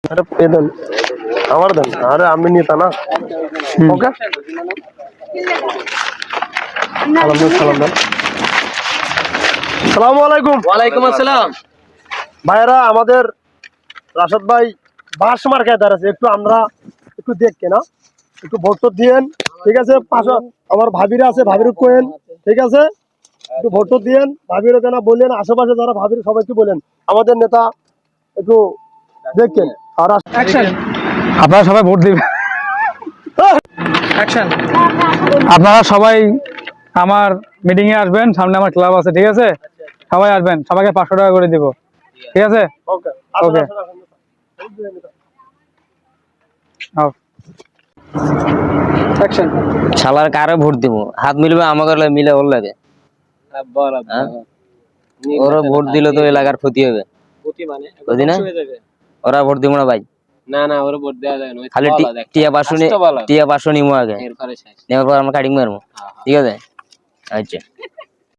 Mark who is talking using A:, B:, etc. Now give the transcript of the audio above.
A: अरे पे देन আমার দেন আরে আমি নিতা না ওকে সালাম দেন আসসালামু আলাইকুম।
B: ওয়ালাইকুম আসসালাম।
A: ভাইরা আমাদের রাশেদ ভাই বাস মার্কায় দাঁড়াচ্ছে, একটু আমরা একটু দেখকে না, একটু ভোট দিয়েন, ঠিক আছে? পাশে আমার ভাবিরা আছে, ভাবির কোয়েন, ঠিক আছে? একটু ভোট দিয়েন, ভাবিরও কেন বললেন, আশেপাশে যারা ভাবির সবাইকে বলেন আমাদের নেতা একটু দেখেন। আর
C: আপনারা সবাই ভোট দিবেন। আপনারা সবাই আমার মিটিং এ আসবেন, সামনে আমার ক্লাব আছে, ঠিক আছে? সবাই আসবেন, সবাইকে 500 টাকা করে দিব, ঠিক আছে?
A: ওকে
C: ওকে।
B: শালার কারে ভোট দিব? হাত মিলবে আমাকে মিলে ওর লাগে। ওরা ভোট দিলে তো এলাকার ক্ষতি হবে। ক্ষতি না? ওরা ভোট দিব না ভাই।
D: না না ওরে ভোট দেওয়া যায় না,
B: খালি টিয়া পাশো নিমো আগে, নেওয়ার পর আমরা কাটিং মারবো, ঠিক আছে? আচ্ছা।